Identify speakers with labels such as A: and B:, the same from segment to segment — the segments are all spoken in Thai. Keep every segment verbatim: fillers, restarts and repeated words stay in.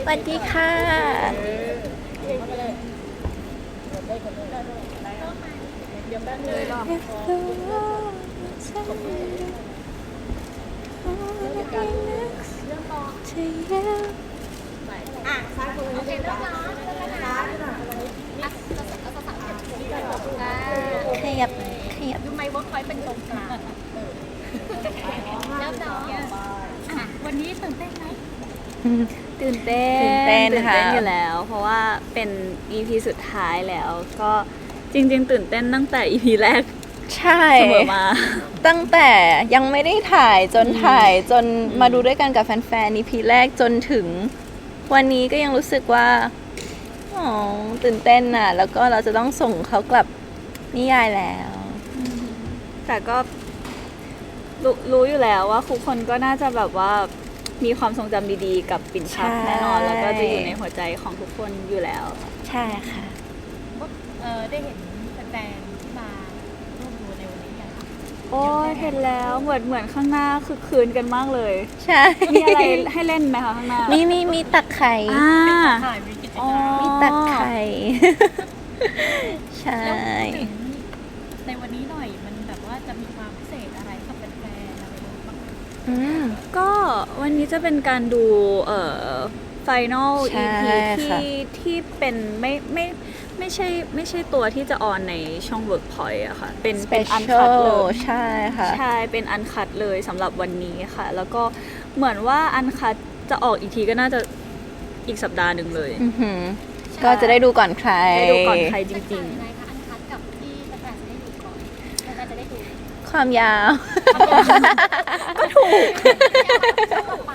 A: วัสดีค่ะเลยรอบ
B: อ่ะซ้ายมือโอเคเริ่มแล้วซ้ายหน่อยอ่ะเราสั่งเราสั่งเก็บที่ก่อนอ่า
A: ขยับขยับ
B: ดูไมค์เวิร์กพอยต์เป็นตรงกลางเริ่มเนาะอ่ะวันนี้ตื่นเต้นไหม
C: ตื่นเต้น
A: ตื่นเต้นค่ะ
C: อยู่แล้ว เพราะว่าเป็น อี พี สุดท้ายแล้ว ก็จริงๆ ตื่นเต้นตั้งแต่ อี พี แรก
A: ใช่
C: เสมอมา
A: ตั้งแต่ยังไม่ได้ถ่ายจนถ่ายจนมาดูด้วยกันกับแฟนๆ อี พี แรกจนถึงวันนี้ก็ยังรู้สึกว่าอ๋อตื่นเต้นน่ะ แล้วก็เราจะต้องส่งเขากลับนิยายแล้ว
C: แต่ก็รู้รู้อยู่แล้วว่าทุกคนก็น่าจะแบบว่ามีความทรงจำดีๆ กับปิ่นชัก
A: ใช่
C: แน่นอน แล้วก็จะอยู่ในหัวใจของทุกคนอยู่แล้ว
A: ใช่ค่ะ
B: เออได้เห็นแฟนๆที่มาร่วมดูในวันนี้ยังคะ
C: โอ้ยเห็นแล้วเหมือนเหมือนข้างหน้าคือคืนกันมากเลย
A: ใช่
C: มีอะไรให้เล่นไหมคะข้างหน้า
A: มีมีมีตักไข่
C: อ่า
B: ถ่ายมีกิจกร
C: อ๋อ
B: รม
A: มีตักไข่ ใช่
B: แล้วพูดถึงในวันนี้หน่อยมันแบบว่าจะมีความพิเศษอะไรกับแฟนๆอะไรบ้าง
A: อืม
C: ก็วันนี้จะเป็นการดูเอ่อ Final
A: ใช่
C: อี พี
A: ค่ะ
C: ที่ที่เป็นไม่ไม่ไม่ใช่ไม่ใช่ตัวที่จะออนในช่อง Workpoint อะค่ะ เป็นเป็นอันคัดเลย
A: ใช่ค่ะ
C: ใช่เป็นอันคัดเลยสำหรับวันนี้ค่ะ แล้วก็เหมือนว่าอันคัดจะออกอีกทีก็น่าจะอีกสัปดาห์หนึ่งเลย
A: อือหือก็จะได้ดูก่อนใคร
C: ได้ดูก่อนใครจ
B: ๆ
C: ริง
B: ยังไงคะอันคัดกับที่แฟนๆจะได้ดูก่อนแฟนๆจะได้ดู
A: ความยาว
C: ๆ ก็ถูก
B: ต่อไป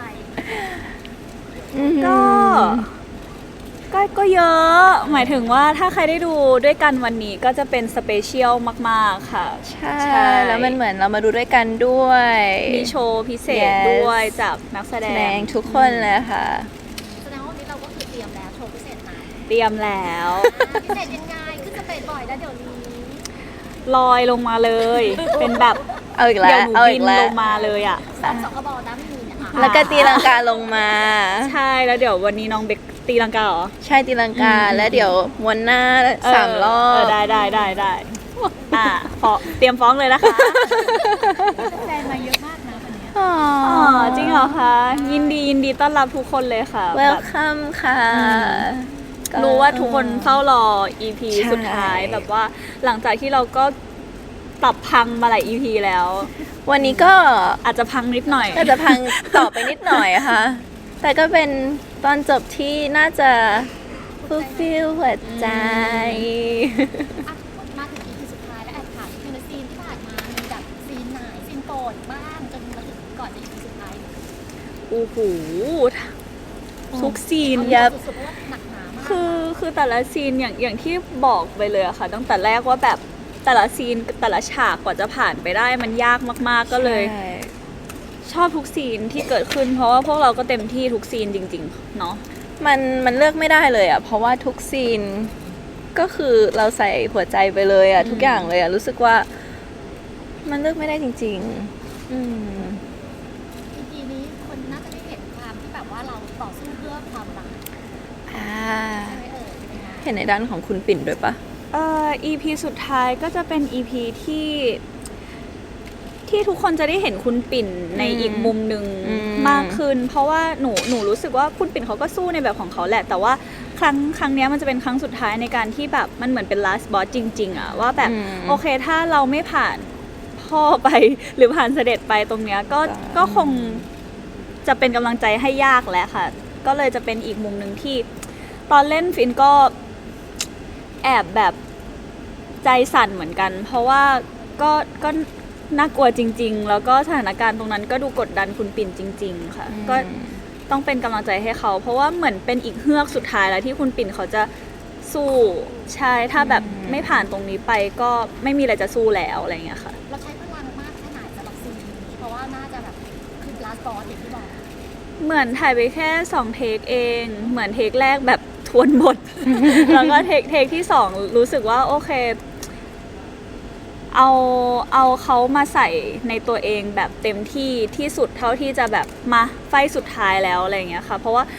C: ก็ก็ก็เยอะ หมายถึงว่าถ้าใครได้ดูด้วยกันวันนี้ก็จะเป็นสเปเชียลมาก ๆ ค่ะ
A: ใช่ แล้วมันเหมือนเรามาดูด้วยกันด้วย
C: มีโชว์พิเศษ
A: Yes
C: ด้วยจากนักแสด
A: แสด
C: ง
A: งทุกคนเลยค่ะ
B: แสดงว่าวันนี้เราก็คือเตรียมแล้วโชว์พิเศษมา
C: เตรียมแล้ว
B: พิเศษยังไงขึ้นสเตจบ่อยแล้วเดี๋ยวนี้
C: ลอยลงมาเลย เป็นแบบ
A: เอาอีกแล้
C: เดี๋ยว วหนู
A: เอา
C: บิ
A: อี
C: น
A: กแล้
C: ล
A: ว
C: งมาเลยอ่ะ
B: สองสองกระบอกน้ำไม่มีเนี่ยค่ะ
A: แล้วก็ตีลังกาลงมา
C: ใช่แล้วเดี๋ยววันนี้น้องเบกตีลังกาเหรอ
A: ใช่ตีลังกา
C: อืม
A: แล้วเดี๋ยวม้วนหน้าสามรอ
C: เอบ อได้ได้ได้ได้อ่ะฟ้องเตรียมฟ้องเลยนะคะ
B: แฟนมาเยอะมากนะวันเนี้ย
A: อ๋อ
C: อ๋อจริงเหรอคะยินดียินดีต้อนรับทุกคนเลยค่ะ
A: เว
C: แบ
A: ล
C: บ
A: คัมค่ะ
C: อืม
A: ก็
C: รู้ว่าทุกคนเฝ้ารอ อี พี
A: ใช่
C: สุดท้ายแบบว่าหลังจากที่เราก็ตับพังมาหลาย อี พี แล้ว
A: วันนี้ก็
C: อาจจะพังนิดหน่อย
A: ก็จะพังต่อไปนิดหน่อยอะค่ะ แต่ก็เป็นตอนจบที่น่าจะฟูลฟิลหัวใจ
B: อ่ะมาถึง อี พี สุดท้ายแล้วแอบถามนิดนึงนะซีนที่ผ่านมามีแบบซีนไหนซีนโปรดบ้างจนมาถึงก่อนจะ อี พี สุดท้าย
C: โอ้โหทุกซีน
A: ยับ
B: สุดๆเพราะว่าหนักหนามาก
C: คือคือแต่ละซีนอย่างอย่างที่บอกไปเลยอะค่ะ ตั้งแต่แรกว่าแบบแต่ละซีนแต่ละฉากกว่าจะผ่านไปได้มันยากมากๆก็เลย
A: ใช่
C: ชอบทุกซีนที่เกิดขึ้น เพราะว่าพวกเราก็เต็มที่ทุกซีนจริงๆเนาะ
A: มันมันเลือกไม่ได้เลยอ่ะ เพราะว่าทุกซีนก็คือเราใส่หัวใจไปเลยอ่ะ ทุกอย่างเลยอ่ะ รู้สึกว่า มันเลือกไม่ได้จริง ๆ อืม
B: อี พี นี้คนน่าจะได้เห็นความที่แบบว่าเราต่อสู้เพื่อความรัก
A: อ่า
B: ใช่ไหมเอ่ยเป็นไง
A: เห็นในด้านของคุณปิ่นด้วยปะ
C: เอ่อ อี พี สุดท้ายก็จะเป็น อี พี ที่ที่ทุกคนจะได้เห็นคุณปิ่นใน
A: อืม
C: อีกมุมหนึ่ง
A: อืม
C: มากขึ้น เพราะว่าหนูหนูรู้สึกว่าคุณปิ่นเขาก็สู้ในแบบของเขาแหละ แต่ว่าครั้งครั้งเนี้ยมันจะเป็นครั้งสุดท้ายในการที่แบบมันเหมือนเป็น last boss จริง ๆอะว่าแบบ
A: อืม
C: โอเคถ้าเราไม่ผ่านพ่อไป หรือผ่านเสด็จไปตรงเนี้ยก็
A: จ้ะ
C: ก็คงจะเป็นกำลังใจให้ยากแล้วค่ะ ก็เลยจะเป็นอีกมุมหนึ่งที่ ตอนเล่นฟินก็แอบแบบใจสั่นเหมือนกัน เพราะว่าก็ก็น่ากลัวจริง ๆ แล้วก็สถานการณ์ตรงนั้นก็ดูกดดันคุณปิ่นจริง ๆ ค่ะ ก็ต้องเป็นกำลังใจให้เขา เพราะว่าเหมือนเป็นอีกเฮือกสุดท้ายแล้วที่คุณปิ่นเขาจะสู้ใช่ถ้าแบบไม่ผ่านตรงนี้ไปก็ไม่มีอะไรจะสู้แล้วอะไรอย่างเงี้ยค่ะ
B: เราใช้พลังมากแค่ไหนสำหรับซีนนี้เพราะว่าน่าจะแบบคือ last boss อย่างที่บอก
C: เหมือนถ่ายไปแค่สองเทคเอง เหมือนเทคแรกแบบทวนบท แล้วก็เทคเทคที่สองรู้สึกว่าโอเค เอาเอาเขามาใส่ในตัวเองแบบเต็มที่ที่สุดเท่าที่จะแบบมาไฟสุดท้ายแล้วอะไรอย่างเงี้ยค่ะ เพราะว่า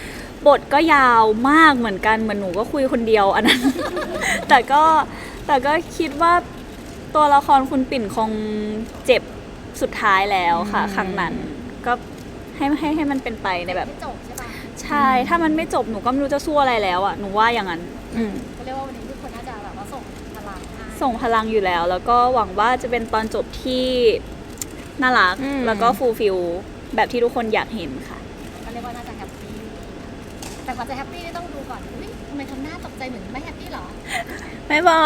C: บทก็ยาวมากเหมือนกันเหมือนหนูก็คุยคนเดียวอันนั้น แต่ก็แต่ก็คิดว่าตัวละครคุณปิ่นคงเจ็บสุดท้ายแล้วค่ะ
A: อืม
C: ครั้งนั้นก็ให้ให้ให้มันเป็นไปในแบบ
B: ไม่จบใช่ปะ
C: ใช่ถ้ามันไม่จบหนูก็ไม่รู้จะสู้อะไรแล้วอ่ะหนูว่าอย่างนั้น
A: อืม
B: ก็เรียกว่าวันนี้ทุกคนน่าจะแบบว่าส่งพลังให้
C: ส่งพลังอยู่แล้ว แล้วก็หวังว่าจะเป็นตอนจบที่น่ารัก
A: อืม
C: แล้วก็ฟูลฟิลแบบที่ทุกคนอยากเห็นค่ะ
B: ก็เรียกว่าน่าจะแฮปปี้แต่กว่าจะแฮปปี้ต้องดูก่อนอุ้ยทำไมทำหน้าตกใจเหมือนไม่แฮปปี้หรอ
A: ไม่บอก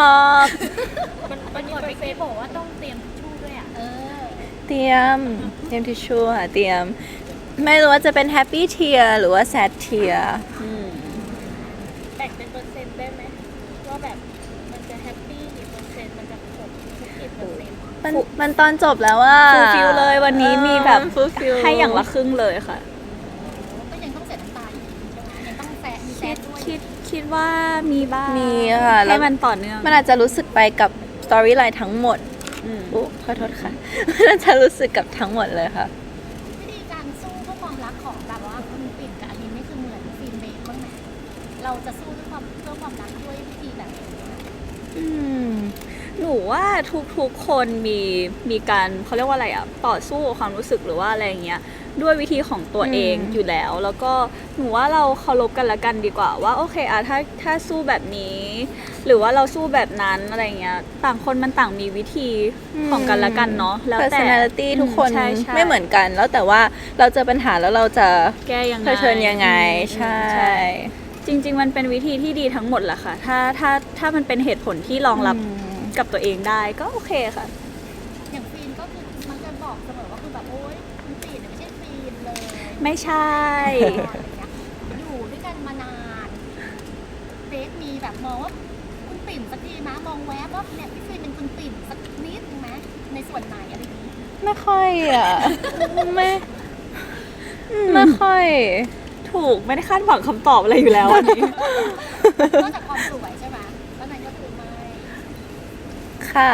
B: มันมันมีเฟซบอกว่าต้องเตรียมทิชชู่ด้วยอ่ะเออ
A: เตรียมเตรียมทิชชู่ค่ะเตรียม ไม่รู้ว่าจะเป็นแฮปปี้เทียหรือว่าแซดเทีย
C: อืม
D: แบ่งเป็นเปอร์เซ็นต์ได้ไหมว่าแบบมันจะแฮปปี้กี่เปอร์เซ็นต์มันจะครบทุกกี่เปอร์เซ็นต์
A: มันมันตอนจบแล้วว่า
C: ฟูลฟิลเลยวันนี้มีแบบ
A: ฟูลฟิล
C: ให้อย่างละครึ่งเลยค่ะ
B: ก็ยังต้องเสียน้ำตาอยู่ใช่ไหมยังต้องแซะมีแซ
C: คิ
B: ะ
C: ด
B: ด้วย
C: คิดคิดว่ามีบ้าง
A: มีค่ะแล้
C: ให้
A: ว
C: มันต่อเนื่อง
A: มันอาจจะรู้สึกไปกับสตอรี่ไลน์ทั้งหมด
C: อืม
A: อุ๊ขอโทษค่ะ มันอาจจะรู้สึกกับทั้งหมดเลยค่ะ
B: วิธีการสู้เพื่อความรักของแบบว่าคุณปิ่นกับอลินนี่คือเหมือนฟิล์มเบคบ้างไหมเราจะสู้ด้วยความเพื่อความรักด้วยวิธีแบบไหน
A: อืม
C: หนูว่าทุกๆคนมีมีการเขาเรียกว่าอะไรอะต่อสู้กับความรู้สึกหรือว่าอะไรอย่างเงี้ยด้วยวิธีของตัวเอง
A: อืม
C: อยู่แล้ว แล้วก็หนูว่าเราเคารพกันละกันดีกว่าว่าโอเคอะถ้าถ้าสู้แบบนี้ หรือว่าเราสู้แบบนั้นอะไรเงี้ยต่างคนมันต่างมีวิธีของกันละกันเนาะแล้วแต่
A: personality ทุกคน
C: ใช่ใช่
A: ไม่เหมือนกัน แล้วแต่ว่าเราเจอปัญหาแล้วเราจะ
C: แก้ยังไง
A: เผชิญยังไง
C: อืม
A: ใช่
C: จริง ๆ มันเป็นวิธีที่ดีทั้งหมดแหละค่ะ ถ้าถ้าถ้ามันเป็นเหตุผลที่รองรับ
A: อืม
C: กับตัวเองได้ก็โอเคค่ะ
B: อย่างฟิล์มก็คือมันจะบอกเสมอว่าคือแบบโอ๊ยคุณปิ่นเนี่ยไม่ใช่ฟิล์มเลย
C: ไม่ใช่
B: อะไรอย่างเงี้ยอยู่ด้วยกันมานานเบคมีแบบมองว่าคุณปิ่นสักทีนะมองแวบว่าเนี่ยพี่ฟิล์มเป็นคุณปิ่นสักนิดนึงไหมในส่วนไหนอะไรอย่างนี้
A: ไม่ค่อยอ่ะ ไม่ไม่ค่อย
C: ถูกไม่ได้คาดหวังคำตอบอะไรอยู่แล้วอันนี้
B: นอกจากความสวยใช่ไหมแล้วนั้นก็คือไม่
A: ค่ะ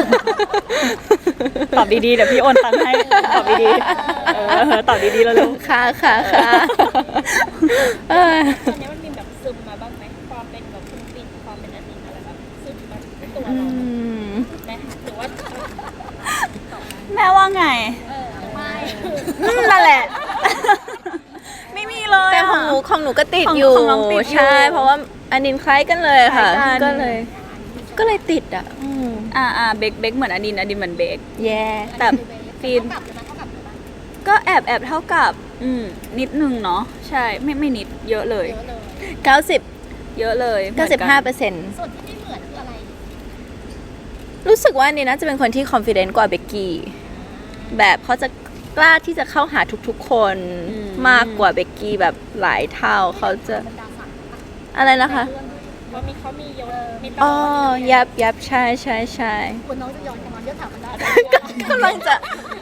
C: ตอบดีๆเดี๋ยวพี่โอนตังค์ให้ตอบดีๆเออตอบดีๆแล้วลูก
A: ค่ะค่ะค่ะเออ
D: ตอนนี้มันมีแบบซึมมาบ้างไหมความเป็นแบบคุณปิ่นความเป็นอดีตอะไรแบบซึมมาที่ตัว
A: อื
D: เรา
A: ม
D: ไหมหรือว่า
C: แม่ว่าไง
B: เออไม่
C: อืมนั่นแหละ ไม่มีเลย
A: แต่
C: อะ
A: ของหนูของหนูก็ติด
C: ของ
A: อยู่
C: ของน้องติดอยู่
A: ใช่ เพราะว่าอันนินคล้ายกันเลยค่ะ
C: คล้ายกัน
A: ก็เลย ก็เลยติดอ่ะ อืม
C: อ่าอ่าเบกเบกเหมือนอดินอดินเหมือนเบก
A: แย่
C: แต่ฟิล์ม
B: เท่ากับหรือไม่เท่ากับหรือไม่
C: ก็แอบแอบเท่ากับ อืมนิดนึงเนาะใช่ไม่ไม่นิดเยอะเลย
B: เยอะเลย
A: เก้าสิบ
C: เยอะเลย
A: เก้าสิบห้าเปอร์เซ็นต์
B: ส่วนที่ไม่เหมือนคืออะไร
A: รู้สึกว่าอันนี่น่าจะเป็นคนที่ confident กว่าเบกกี้ แบบเขาจะกล้าที่จะเข้าหาทุกๆ คนมากกว่าเบกกี้แบบหลายเท่าเขาจะ
B: บรรดาศักดิ์ปะ
A: อะไรนะคะ
B: ในเรื่องด้วย
D: เพราะมีเขามียศมีต
A: อ๋อ
D: ำแหน่ง
A: ยับยับใช่ใช่ใช่
B: คุณน้องจะย้อนกลับมาเยอะถามบรรดา
A: กำลังจะ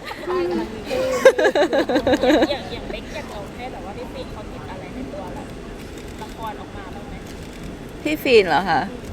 D: อย่างอย่างเล็กอยากลองให้แบบว่าพี่ปิ่นเขาติดอะไรในตัวแบบละครออกมาบ้างไหม
A: พี่ฟีนเหรอคะ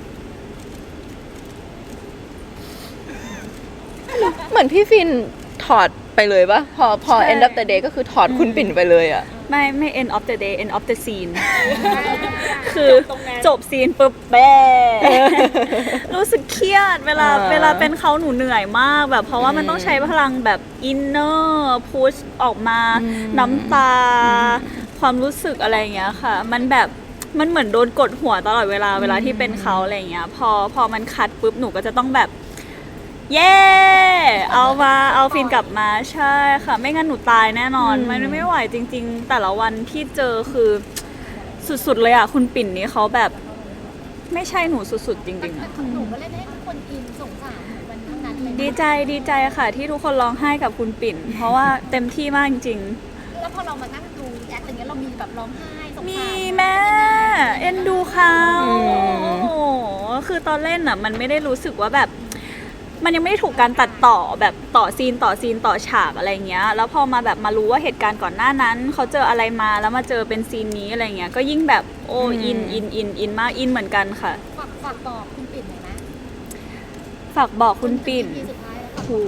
A: เหมือนพี่ฟินถอดไปเลยปะพอพอ end of the day ก็คือถอดคุณปิ่นไปเลยอ่ะ
C: ไม่ไม่ end of the day end of the scene คือ
D: ตรงนั้น
C: จบซีนปุ๊บแบ้รู้สึกเครียดเวลา
A: อ่า
C: เวลาเป็นเขาหนูเหนื่อยมากแบบเพราะว่ามันต้องใช้พลังแบบอินเนอร์พุชออกมา
A: อืม
C: น้ำตา ความรู้สึกอะไรอย่างเงี้ยค่ะ มันแบบมันเหมือนโดนกดหัวตลอดเวลาเวลาที่เป็นเขาอะไรอย่างเงี้ยพอพอมันคัดปุ๊บหนูก็จะต้องแบบ เย้เอามาเอาฟินกลับมาใช่ค่ะ ไม่งั้นหนูตายแน่นอน
A: อืม
C: มันไม่ไหวจริง ๆ แต่ละวันที่เจอคือสุดๆเลยอ่ะคุณปิ่นนี้เขาแบบ ไม่ใช่หนูสุดๆจริงๆ
B: แต่
C: อะ
B: ของหนูก็เล่นให้ทุกคนอินสงสารเหมือนกันทั้งนั้นเลยนะ
C: ดีใจดีใจค่ะ ที่ทุกคนร้องไห้กับคุณปิ่น เพราะว่าเต็มที่มากจริง
B: แล้วพอเรามานั่งดูแอคอย่างเงี้ยเรามีแบบร้องไห้สงสาร
C: ๆมีแม่เอ็นดูเขา
A: อืม
C: โอ้โหคือตอนเล่นอ่ะ มันไม่ได้รู้สึกว่าแบบ มันยังไม่ได้ถูกการตัดต่อแบบต่อซีนต่อซีนต่อฉากอะไรเงี้ย แล้วพอมาแบบมารู้ว่าเหตุการณ์ก่อนหน้านั้น เขาเจออะไรมาแล้วมาเจอเป็นซีนนี้อะไรเงี้ย ก็ยิ่งแบบโอ้อินอินอินอินมากอินเหมือนกันค่ะ
B: ฝากฝากบอกคุณปิ่นหน่อยนะ
C: ฝากบอกคุณปิ่น
B: ทีสุดท้ายแล้ว
C: โห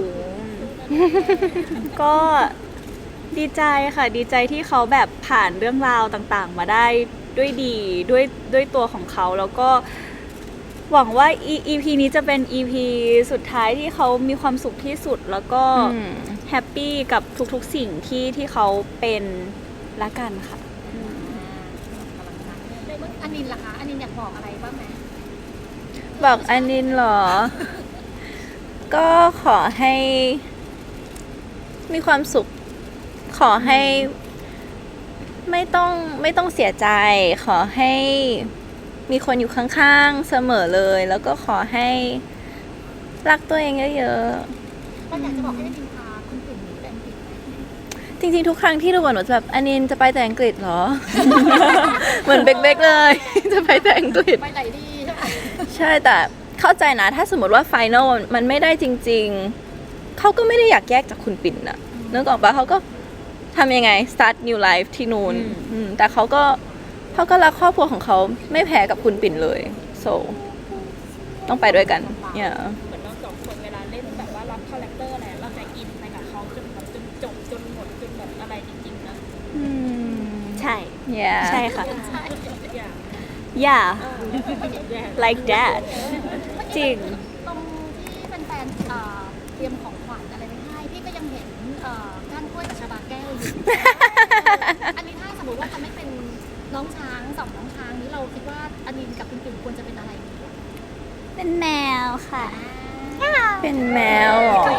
C: ก็ดีใจค่ะ ดีใจที่เขาแบบผ่านเรื่องราวต่างๆ มาได้ด้วยดีด้วยด้วยตัวของเขาแล้วก็หวังว่า อี พี นี้จะเป็น อี พี สุดท้ายที่เขามีความสุขที่สุดแล้วก็
A: อืม
C: แฮปปี้กับทุกๆสิ่งที่ที่เขาเป็นละกันค่ะ
B: อันนินล่ะคะอันนินอยากบอกอะไรบ้างไหม
A: บอกอันนินเหรอ ก็ขอให้มีความสุข ขอให้ไม่ต้องไม่ต้องเสียใจ ขอให้มีคนอยู่ข้างๆเสมอเลย แล้วก็ขอให้รักตัวเองเยอะ
B: ก็อยากจะบอกให้อันนินพาคุณปิ่นหนีไปอังกฤษไหม
A: ๆ จริงๆ ทุกครั้งที่ดูหนูจะแบบอันนินจะไปแต่อังกฤษเหรอ เหมือนเบกๆเลย จะไปแต่อังกฤษ
B: ไปไหนดีใช่ไหม
A: ใช่แต่เข้าใจนะ ถ้าสมมติว่าไฟนอลมันไม่ได้จริงๆ เขาก็ไม่ได้อยากแยกจากคุณปิ่นนะนึกออกปะเขาก็ทำยังไง start new life ที่นู่น
C: อืม
A: อืมแต่เขาก็เขาก็รักครอบครัวของเขาไม่แพ้กับคุณปิ่นเลย so ต้องไปด้วยกันเนี่ย
D: เหมือนเราสองคนเวลาเล่นแบบว่ารับคาแรคเตอร์อะไรเราจะอินไปกับเขาจนแบบจนจบจนหมดจนแบบอะไรจริงๆนะ
A: อืม
C: ใช่
A: yeah
C: ใช่ค่ะ
D: อย่าง
C: yeah
D: อย่าง
C: like that จริง
B: ตรงที่แฟนๆเอ่อเตรียมของขวัญอะไรไว้ให้พี่ก็ยังเห็นเอ่อก้านกล้วยกับชาบาแก้วอยู่ อันนี้ถ้าสมมติว่าจะไม่เป็นน้องช้างสองน้องช้างนี้เราคิดว่าอันนินกับคุณปิ่นควรจะเป็นอะไรดี
C: เป็นแมวค่ะ
A: เป็นแมวเหรอ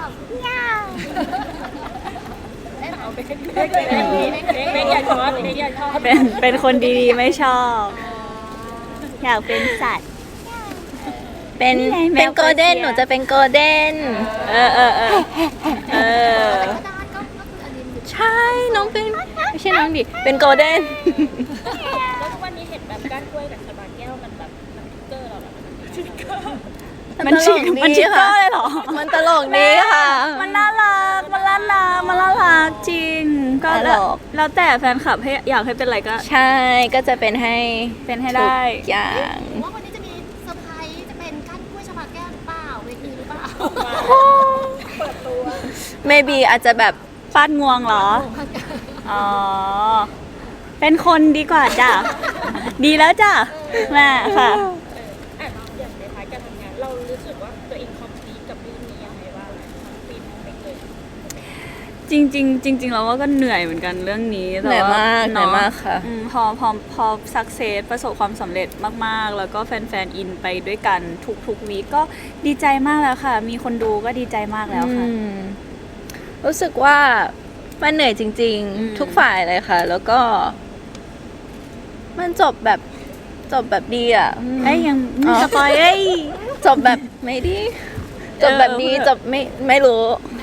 B: ได้ไหม
D: เอาไปเล่นเล่นเล่นเล่นเล่นอย่าชอบเล่นอย่าชอบ
C: เป็นเป็นคนดีๆไม่ชอบ อยากเป็นสัตว์
A: เป็น
C: นี่ไงแมว
A: เป็นโกลเด้น
C: เปอร์เซีย
A: หนูจะเป็นโกลเด้น
C: เออเออเออเออ
B: แต่ก็ได้ก็ก็คืออันนินอยู่
A: ใช่ น้องเป็นไม่ใช่น้องดิ เป็นโกลเด้น
D: แล้วทุกวันนี้เห็นแบบก้านกล้วยกับชาบาแก้วมันแบบมันทิกเกอร์เราแบบมันทิกเกอร์
C: มันชิกมันชิกเกอร์เลยเหรอ
A: มันตลกดีค่ะ
C: มันน่ารัก มันน่ารัก มันน่ารักจริง ก็แล้ว
A: ตลก
C: แล้วแต่แฟนคลับให้อยากให้เป็นอะไรก็
A: ใช่ ก็จะเป็นให้
C: เป็นให้ได้
A: ทุกอย่าง
B: หรือว่าวันนี้จะมีเซอร์ไพรส์จะเป็นก้านกล้วยชาบาแก้วหรือเปล่าเวทีหรือเปล่า
D: เปิดตัว
A: maybe อาจจะแบบ
C: ฟาดงวงเหรอ อ๋อ เป็นคนดีกว่าจ้ะ ดีแล้วจ้ะแม่ค่ะ
D: เอออ่ะอย่างในท้ายการทำงานเรารู้สึกว่าตัวเองคอมพลีทกับเรื่องนี้ยังไงบ้างทั้งปีทั้งไม่เคย
C: จริงจริงๆจริงๆเราว่าก็เหนื่อยเหมือนกันเรื่องนี้แต่
A: เหนื่อย
C: ว่
A: มากเหนื่อยมากค่ะ
C: อืมพอพอพอสักเซสประสบความสำเร็จมากๆ แล้วก็แฟนๆอินไปด้วยกันทุกทุกวีคก็ดีใจมากแล้วค่ะ มีคนดูก็ดีใจมากแล้วค่ะ
A: อืมรู้สึกว่ามันเหนื่อยจริง
C: อืม
A: ๆ ทุกฝ่ายเลยค่ะ แล้วก็ มันจบแบบจบแบบดีอ่ะอืม
C: เอ้ยยัง
A: อ๋
C: มี
A: อ
C: สปอยเอ้ย
A: จบแบบไม่ดี จบแบบดี
C: เออ
A: จบไม่ไม่รู้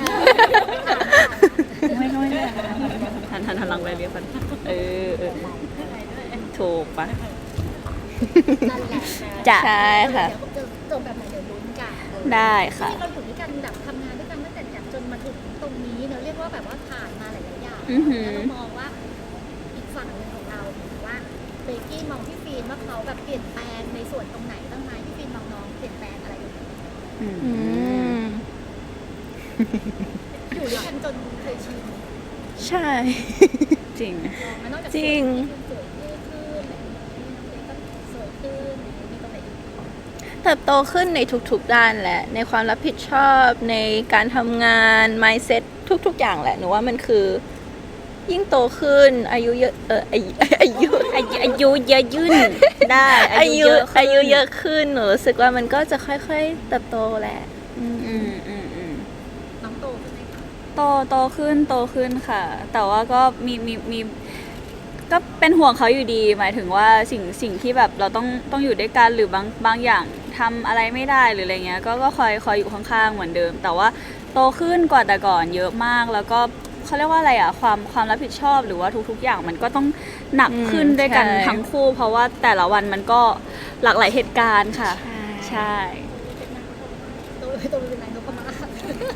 C: ไม่ไม่ไม่หันหันหันหลังไปเรียกกันเออเออถูกปะ
B: นั่นแหละ
C: จ้ะ
A: ใช่ค่ะ
B: เดี๋ยวจบแบบไหนเดี๋ยวลุ้นกัน
C: ได้ค่ะ
B: ที่เราอยู่ด้วยกันแบบทำงานด้วยกันตั้งแต่แบบจนมาถึงตรงนี้เราเรียกว่าแบบว่าผ่านมาหลายๆอย่าง
C: อือหือ
B: แล้วเรามองว่าอีกฝั่งหนึ่งของเราว่าเบกกี้มองพี่ฟีนว่าเขาแบบเปลี่ยนแปลงในส่วนตรงไหนบ้างไหมพี่ฟีนมองน้องเปลี่ยนแปลงอะไรอยู่
C: อืม
A: อืม
B: อยู่ด้วยกันจนเคยชิน
A: ใช่
C: จริง
B: มันนอกจาก
A: จริง
B: สวยขึ้นอะไรอย่างเงี้ยน้องเบกก็สวยขึ้นมีตรงไหนอีก
A: เติบโตขึ้นในทุกๆด้านแหละ ในความรับผิดชอบในการทำงาน mindset ทุกๆอย่างแหละหนูว่ามันคือ ยิ่งโตขึ้น อายุเยอะเอออายุอายุ
C: อายุอายุเยอะยื่นได้
A: อายุ
C: ขึ้น
A: อายุเยอะขึ้นหนูรู้สึกว่ามันก็จะค่อยๆเติบโตแหละอืม
C: อืมอืมอืม
B: น้องโตขึ้นไหมคะ
C: โตโตขึ้นโตขึ้นค่ะ แต่ว่าก็มีมีมีก็เป็นห่วงเขาอยู่ดี หมายถึงว่าสิ่งสิ่งที่แบบเราต้องต้องอยู่ด้วยกันหรือบางบางอย่างทำอะไรไม่ได้หรืออะไรเงี้ยก็ก็คอยคอยอยู่ข้างๆเหมือนเดิม แต่ว่าโตขึ้นกว่าแต่ก่อนเยอะมากแล้วก็เขาเรียกว่าอะไรอ่ะความความรับผิดชอบหรือว่าทุกๆอย่างมันก็ต้องหนักขึ้นด้วยกันทั้งคู่ เพราะว่าแต่ละวันมันก็หลากหลายเหตุการณ์ค่ะ ใช่
B: โตโตเป็นนายนพมาศ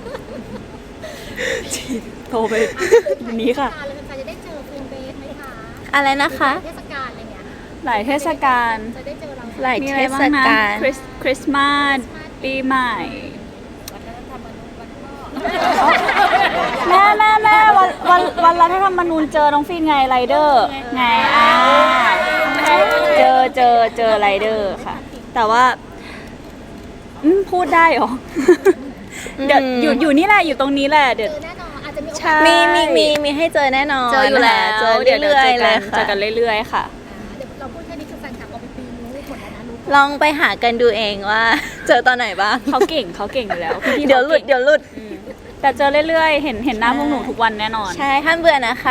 C: โตไปนี้ค่ะ
B: เทศกาลเลยแฟนๆจะได้เจอฟิล์มเบสไหมคะ
A: อะไรนะคะ
B: เทศกาลอะไรเงี้ย
C: หลายเทศกาล
B: จะได้เจอเรา
A: หลาย
C: มี
A: เท
C: อะไร
A: ศ
C: บ้างนะ
A: กาล
C: คริสคริสต์มาสปีใหม่
B: วัฒนธรรมมนุษย์วันพ่อ
C: แม่แม่แม่วันวันวันรัฐธรรมนูญเจอน้องฟีนไงไรเดอร์ไงอ่าเจอเจอเจอไรเดอร์ค่ะ แต่ว่าอืมพูดได้เหรอ เดี๋ยวอยู่อยู่นี่แหละอยู่ตรงนี้แหละเดี๋ยว
B: เจอแน่นอนอาจจะมีโอกาส
C: ใช่
A: มีมีมีมีให้เจอแน่นอน
C: เจออยู่แล้ว
A: เจอ
C: เดี๋ยว
A: เรื่อยๆ
C: เจ
A: เล
C: อย กัน
A: ค่ะ
C: เจอกันเรื่อยๆค่ะ
B: เดี๋ยวเราพูดแค่นี้คือแฟนคลับเอาไปปีนรู้หมดแล้วนะรู้
A: ลองไปหากันดูเองว่า เจอตอนไหนบ้าง
C: เขาเก่งเขาเก่งอยู่แล้วพี่ๆ
A: เดี๋ยวหลุด
C: ขาก่ง
A: เดี๋ยวหลุด
C: อืมแต่เจอเรื่อยๆ เห็นเห็นหน้าพวกหนูทุกวันแน่นอน
A: ใช่ห้ามเบื่อนะคะ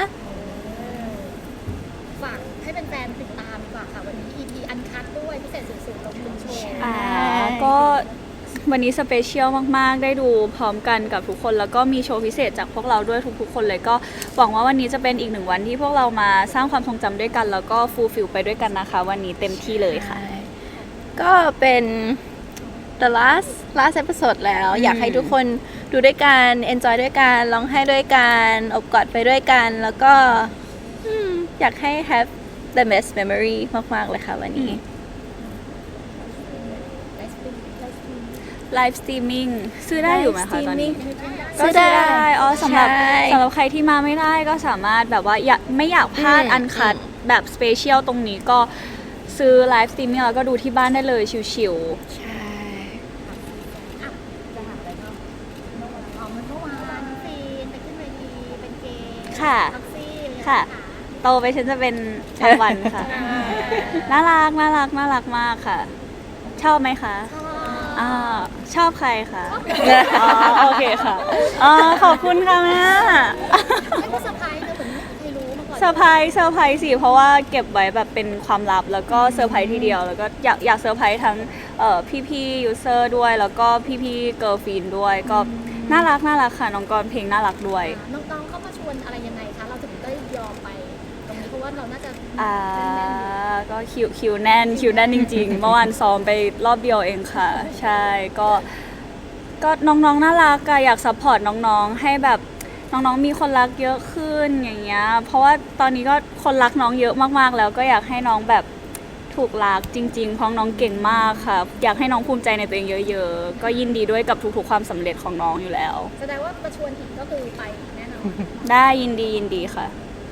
B: ฝากให้เป็นแฟนๆติดตามดีกว่าค่ะวันนี้ อี พี อันคัดด้วยพิเศษสุดๆลงทุนโชว์
C: อ่าก็วันนี้สเปเชียลมากๆ ได้ดูพร้อมกันกับทุกคน แล้วก็มีโชว์พิเศษจากพวกเราด้วยทุกๆ คนเลยก็หวังว่าวันนี้จะเป็นอีกหนึ่งวันที่พวกเรามาสร้างความทรงจำด้วยกัน แล้วก็ฟูลฟิลไปด้วยกันนะคะ วันนี้เต็มที่เลยค่ะ
A: ก็เป็น the last last episode แล้ว อยากให้ทุกคนดูด้วยกัน enjoy ด้วยกันร้องไห้ด้วยกันอบกอดไปด้วยกัน แล้วก็อืมอยากให้ have the best memory มาก ๆ เลยค่ะวันนี้
C: ไลฟ์สตรีมมิ่งซื้อได้อยู่ไหมคะตอนนี้
A: ซื้
C: ก็
A: อ
C: ซื้อ
A: ได้
C: ได้อ๋อสำหรับ
A: ใช่
C: สำหรับใครที่มาไม่ได้ก็สามารถแบบว่าอยากไม่อยากพลาด
A: อืม
C: อันคัดแบบสเปเชียลตรงนี้ก็ซื้อไลฟ์สตรีมมิ่งแล้วก็ดูที่บ้านได้เลยชิว
A: ใช่
B: จะหาอะไรบ้างอ๋อเมื่อวานน้องฟีนไปขึ้นเวทีเป็นเกย์
C: ค่ะ
B: ท็อกซี่
C: ค่ะ ๆ โตไปฉันจะเป็นรางวัลค่ะ น่ารักน่ารักน่ารักมากค่ะ ชอบไหมคะ
B: ชอบ
C: อ่าชอบใครคะอ๋อโอเคค่ะอ๋อขอบคุณค่ะแม่
B: ไม่ว่าเซอร์ไพรส์นะเหมือนไม่มีใครรู้มาก่อน
C: เซอร์ไพรส์เซอร์ไพรส์สิเพราะว่าเก็บไว้แบบเป็นความลับแล้วก็เซอร์ไพรส์ทีเดียวแล้วก็อยากอยากเซอร์ไพรส์ทั้งเอ่อพี่ๆยูเซอร์ด้วย แล้วก็พี่ๆเกิร์ลฟีนด้วยก็น่ารักน่ารักค่ะน้องกรเพลงน่ารักด้วย
B: น้องๆเขามาชวนอะไรยังไงคะเราถึงได้ยอมไปตรงนี้เพราะว่าเราน่าจะ
C: อ่าก็คิวคิวแน่นคิวแน่นจริงๆ เมื่อวานซ้อมไปรอบเดียวเองค่ะ ใช่ก็ก็น้องๆน่ารักอะอยากซัพพอร์ตน้องๆ ให้แบบน้องๆมีคนรักเยอะขึ้นอย่างเงี้ยเพราะว่าตอนนี้ก็คนรักน้องเยอะมากๆแล้วก็อยากให้น้องแบบถูกรักจริงๆเพราะน้องเก่งมากค่ะ อยากให้น้องภูมิใจในตัวเองเยอะๆ ก็ยินดีด้วยกับทุกๆความสำเร็จของน้องอยู่แล้ว
B: แสดงว่ามาชวนอีกก็คือไปอีกแน่นอน
C: ได้ยินดียินดีค่ะ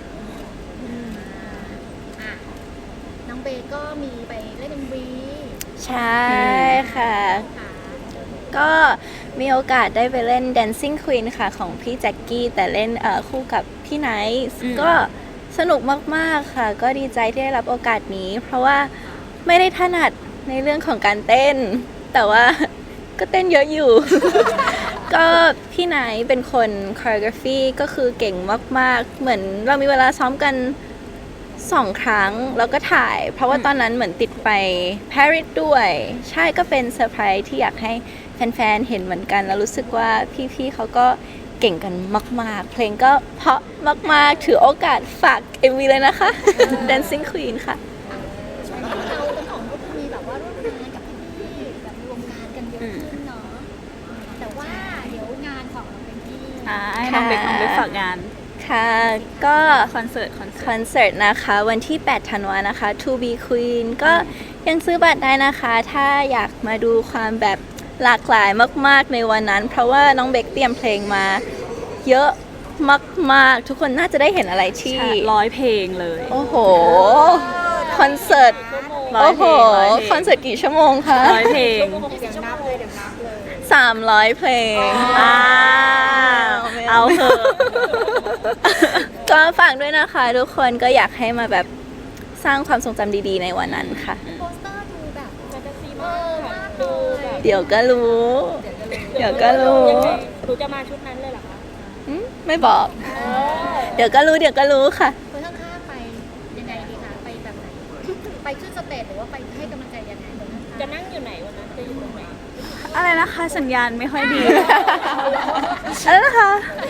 B: อ่ะน้องเบย์ก็มีไปเล่น เอ็ม วี
A: ใช่ค่ะ
B: ค่ะ
A: ก็มีโอกาสได้ไปเล่น Dancing Queen ค่ะของพี่แจ็คกี้แต่เล่นเอ่อคู่กับพี่ไนท์
C: อืม
A: ก็สนุกมาก ๆ ค่ะ ก็ดีใจที่ได้รับโอกาสนี้ เพราะว่าไม่ได้ถนัดในเรื่องของการเต้น แต่ว่า ก็เต้นเยอะอยู่ ก็พี่ไนท์เป็นคน choreography ก็คือเก่งมาก ๆ เหมือนเรามีเวลาซ้อมกันสองครั้งแล้วก็ถ่าย เพราะว่าตอนนั้นเหมือนติดไปปารีสด้วย ใช่ก็เป็นเซอร์ไพรส์ที่อยากให้แฟน ๆ เห็นเหมือนกัน แล้วรู้สึกว่าพี่ ๆ เขาก็เก่งกันมาก ๆ เพลงก็เพราะมาก ๆ ถือโอกาสฝาก เอ็ม วี เลยนะคะ Dancing Queen ค่ะ
B: ช่วงนี้เราทั้งสองก็คือมีแบบว่าร่วมงานกับพี่ๆแบบรวมงานกันเยอะขึ้นเนาะแต่ว่าเดี๋ยวงานของเราเป็นที่
C: อ่าให้น้องเบคน้องเบคฝากงาน
A: ค่ะ ก็
C: คอนเสิร์ตคอนเสิ
A: ค
C: ร์ต
A: อนเสิร์ตนะคะวันที่ แปด ธันวานะคะ To Be Queen ก็ยังซื้อบัตรได้นะคะ ถ้าอยากมาดูความแบบหลากหลายมากๆในวันนั้น เพราะว่าน้องเบคเตรียมเพลงมาเยอะมากๆ ทุกคนน่าจะได้เห็นอะไรที่
C: ร้อยเพลงเลย
A: โอ้โห คอนเสิร์ต
C: ร้อย
A: โอ้โห
C: เพลงร้อยเพลง
A: คอนเสิร์ตกี่ชั่วโมงคะ
C: ร้อยเพลง
A: สามร้อยเพลง
C: อ่าเอาเถอะ
A: ก็ฝากด้วยนะคะ ทุกคนก็อยากให้มาแบบสร้างความทรงจำดีๆในวันนั้นค่ะ
B: โปสเตอร์ดูแบบ
D: แฟนตาซี
B: เอ
D: มา
B: อก มากเล
D: ดู
B: ย
D: แบบ
A: เดี๋ยวก็รู้ เดี๋ยวก็รู้
D: ยังไงหนูจะมาชุดนั้นเลยเหรอคะ
A: อืมไม่บอก
D: เออ
A: เดี๋ยวก็รู้ เดี๋ยวก็รู้ค่ะ
B: คนข้างๆไปยังไงดีคะไปแบบไหนไปขึ้นสเตจหรือว่าไปให้กำลังใจยังไงคนข้างๆ
D: จะนั่งอยู่ไหนวันนั้นจะอยู่ตรงไหน
C: อะไรนะคะสัญญาณไม่ค่อยดี อะไรนะคะ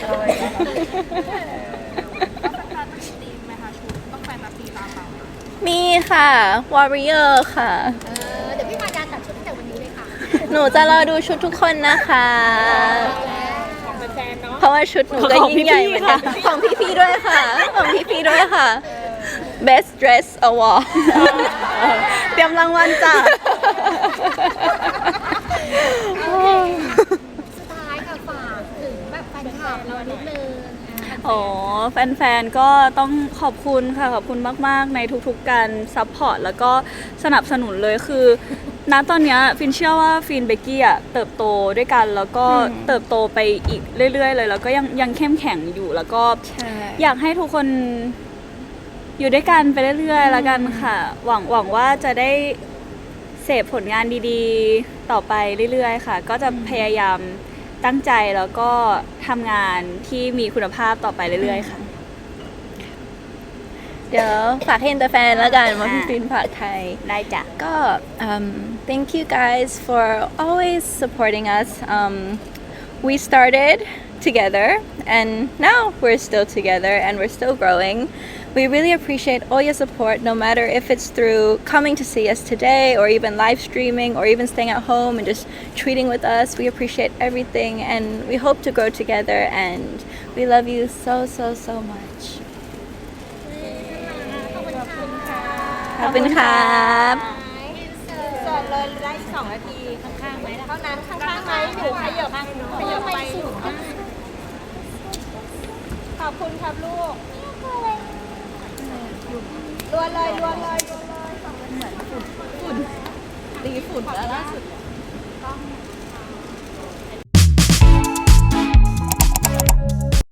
A: มีค่ะ Warrior ค่ะ
B: เออเดี๋ยวพี่มายาตัดชุดตั้งแต่วันนี้เลยค่ะ
A: หนูจะรอดูชุดทุกคนนะคะ
D: ของแฟนๆเนาะ
A: เพราะว่าชุดหนูก็ยิ่งใหญ่เหมือนกัน ของพี่ๆด้วยค่ะ ของพี่ๆด้วยค่ะ Best Dress Award
C: เตรียมรางวัลจ้ะ
B: สุดท้ายค่ะฝากถึงแบบแฟนคลับเรานิดนึงอ่าๆ
C: โอ้แฟนๆ ก็ต้องขอบคุณค่ะ ขอบคุณมากๆ ในทุกๆ การซัพพอร์ตแล้วก็สนับสนุนเลยคือ ณตอนเนี้ยฟินเชื่อว่าฟินเบกกี้อะเติบโตด้วยกัน แล้วก็
A: อืม
C: เติบโตไปอีกเรื่อยๆ เลย แล้วก็ยังยังเข้มแข็งอยู่ แล้วก็
A: ใช่
C: อยากให้ทุกคนอยู่ด้วยกันไปเรื่อยๆ แล้วกันค่ะ หวังหวังว่าจะได้เสพผลงานดีๆ ต่อไปเรื่อยๆ ค่ะ ก็จะพยายามตั้งใจแล้วก็ทำงานที่มีคุณภาพต่อไปเรื่อยๆ ค่ะ
A: เดี๋ยวฝากให้อินเตอร์แฟนแล้วกันว่าพี่
C: อ่า
A: ฟินฝากไทย
C: ได้จ้ะ
A: ก็ um, thank you guys for always supporting us. Um, we started together and now we're still together and we're still growing. We really appreciate all your support, no matter if it's through coming to see us today or even live streaming or even staying at home and just treating with us. We appreciate everything and we hope to grow together and we love you so, so, so much.
B: ขอบคุณค่ะ
A: ขอบคุณครับ
E: เสิร์ฟเลยได้อีกสองนาทีข้างๆไหมเท่านั้นข้างๆไหมหนูขยับขยับไปขอบคุณครับลูกรวนเลยรวนเลย
A: ตีฝุ่นแล้วล่าสุด